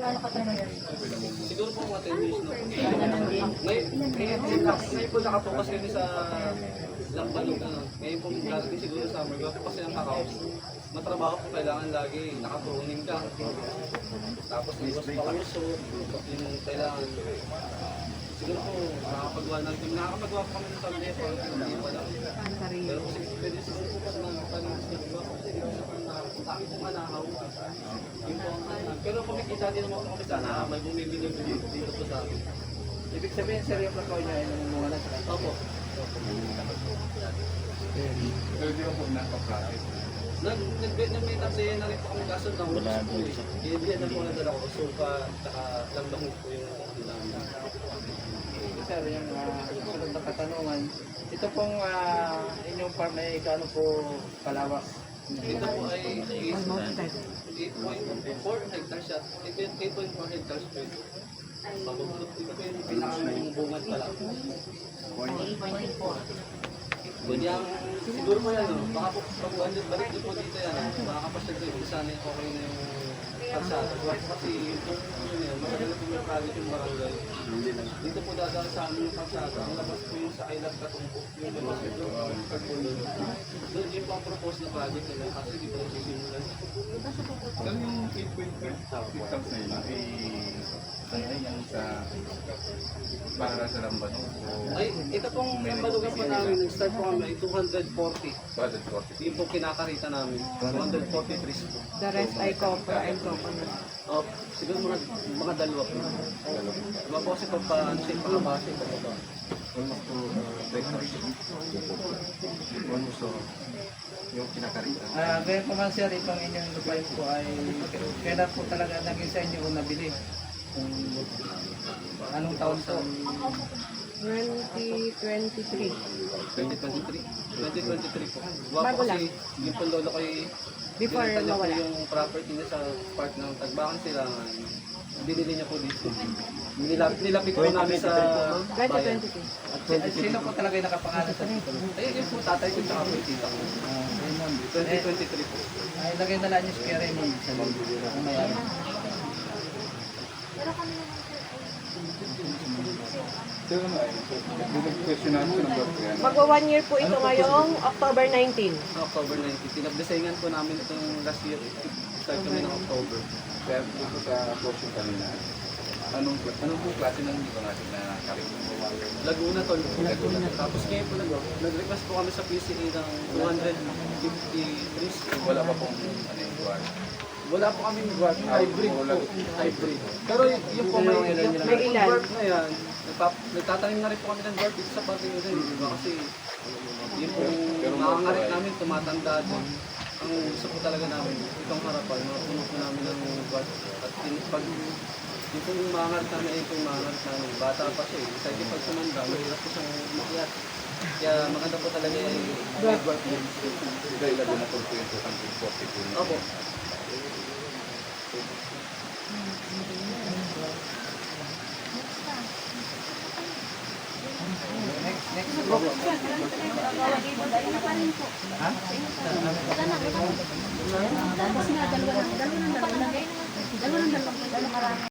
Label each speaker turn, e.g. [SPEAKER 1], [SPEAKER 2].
[SPEAKER 1] Siguro po mga 10 years na. Ngayon po nakapokus kami sa Lambalog. Ngayon po darating siguro sa summer. Gawa po kasi ang kakaos. Matrabaho po kailangan lagi. Nakaturunin ka. Tapos iwas pa uso. Yung kailangan. Siguro po nakakapagawa ng team. Nakakapagawa po kami ng tablet. Hindi pa lang. Pero kasi pwede siguro po kasi nagagawa po kasi dito sa kami pong anahaw. Yun po ang pero kumikita din naman po kami sana may bumibili dito po sa amin.
[SPEAKER 2] Ibig sabihin, sir, yung plakaw niya ay namunga na sa kanya.
[SPEAKER 1] Opo.
[SPEAKER 3] Pero di ba po nakapractice?
[SPEAKER 1] Nag-Vietnamese na rin po kami kaso ng ulos po eh. Hindi na po nadala ko. Sulpa, tsaka lambang po yung namin.
[SPEAKER 2] Sir, yung susunod na katanungan, ito pong inyong farm ay gaano po kalawak?
[SPEAKER 1] Ito po ay 8.4 hectares siya. 8.4 hectares po ito. Pabubulot ito po yung pinakang bungat pala. 8.4. Kunyang, siguro mo yan, baka po pag balik din po dito yan, makakapasyag ko yung sana okay na yung kalsada. Kasi yung yun yan, maganda po yung kalit yung barangay. Dito po dadaan sa amin yung kalsada. Ang labas po yung sa Kailat Katumpok, yung labas po yung Pagpulo. Doon yun po ang propose na project nila kasi di po sisimulan.
[SPEAKER 3] Saan yung 8.5 hectares na yun? Ay yan sa para sa Lamban o
[SPEAKER 1] Ay, ito pong nambalugan po namin, nag-start po kami 240.
[SPEAKER 3] budget 40?
[SPEAKER 1] Yung po kinakarita namin, 240 trees po.
[SPEAKER 4] The rest ay copra and coconut.
[SPEAKER 1] Oh, siguro mga dalawa po. Diba po kasi ano siya, pakabase po ito.
[SPEAKER 3] Almost to 3 hectares. Almost to yung kinakarita.
[SPEAKER 2] Gaya po man, sir, itong inyong lupain po ay kailan po talaga naging sa inyo kung nabili? Kung anong taon po?
[SPEAKER 4] 2023.
[SPEAKER 1] 2023 po. Diba
[SPEAKER 4] Bago
[SPEAKER 1] po
[SPEAKER 4] lang.
[SPEAKER 1] kasi yung po lolo ko ay
[SPEAKER 4] Before
[SPEAKER 1] binenta niya po
[SPEAKER 4] mawala.
[SPEAKER 1] yung property niya sa part ng Tagbakan sila. Binili niya po dito. Nilapit po namin sa bayan.
[SPEAKER 4] 2022.
[SPEAKER 2] Sino po talaga yung nakapangalan sa dito?
[SPEAKER 1] Ayun yung po tatay ko tsaka po yung tita ko.
[SPEAKER 2] Raymond.
[SPEAKER 1] 2023 po.
[SPEAKER 2] Ay, lagay na lang niyo si Kuya Raymond sa loob. Kung may ano.
[SPEAKER 3] So ano ay, question natin ng birth yan.
[SPEAKER 4] Magwa 1 year po ito ngayong October 19.
[SPEAKER 1] October 19. Pinagdesayngan po namin itong last year. Start kami ng October.
[SPEAKER 3] Kaya dito sa question kanina, anong po klase ng dito natin na karito?
[SPEAKER 1] Laguna tol. Tapos ngayon po nag-request po kami sa PCA ng 250 trees.
[SPEAKER 3] Wala pa pong ano yung guard.
[SPEAKER 1] Wala po kami mag-work. Hybrid po. Hybrid. Pero yung po may
[SPEAKER 4] ilan.
[SPEAKER 1] work na yan. Nagtatanim na rin po kami ng work dito sa pati rin. Diba? Kasi yung po makangarit namin tumatanda din. Ang gusto po talaga namin itong harapan. Mapuno po namin ng work. At pag yung pong makangarit namin ay itong makangarit namin. Bata pa siya eh. Kasi pag tumanda, mahirap po siyang makiat. Kaya maganda po talaga yung work din.
[SPEAKER 3] Dahil Laguna po yung 240 po.
[SPEAKER 1] Opo.
[SPEAKER 2] Next group. Ha?
[SPEAKER 5] Tapos nga, dalawa ng dalawa.